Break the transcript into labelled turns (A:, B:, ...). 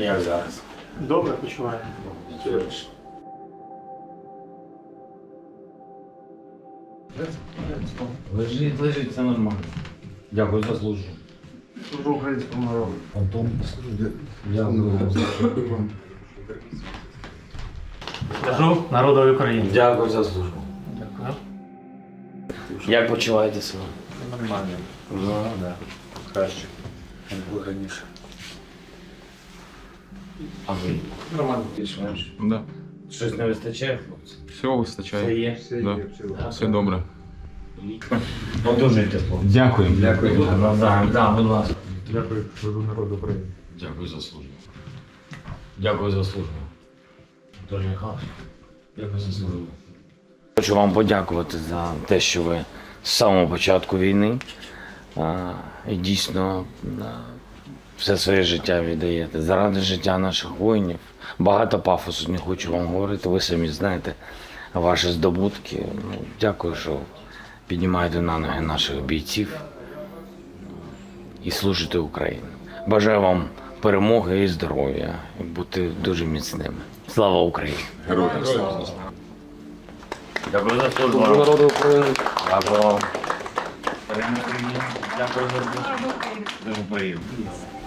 A: Як зараз?
B: Добре почуваю.
A: Лежить, все нормально. Дякую за службу.
B: Служу українському народу.
A: Антон, дякую вам за службу.
B: Служу народові України.
A: Дякую за службу.
B: Дякую.
A: Як почуваєте себе?
B: Нормально.
A: Ну, да.
B: Краще, ніж було раніше.
A: А ви?
B: Нормально.
A: Більш-менш.
C: Да.
A: Щось не вистачає, хлопці?
C: Все вистачає.
A: Це є?
C: Да. Все добре.
A: Одужуйте, хлопці.
C: Дякую.
A: Дякую. Навзаєм. Да, будь ласка.
B: Дякую, служу народу України.
A: Дякую за службу. Дякую за службу. Дуже Михайлович. Дякую за службу. Хочу вам подякувати за те, що ви з самого початку війни і дійсно все своє життя віддаєте. Заради життя наших воїнів. Багато пафосу не хочу вам говорити, ви самі знаєте ваші здобутки. Дякую, що піднімаєте на ноги наших бійців і служите Україні. Бажаю вам перемоги і здоров'я, і бути дуже міцними. Слава Україні!
C: Героям слава.
A: Дякую за службу.
C: Народу України.
A: Дякую. Дякую за службу. Дуже приємно.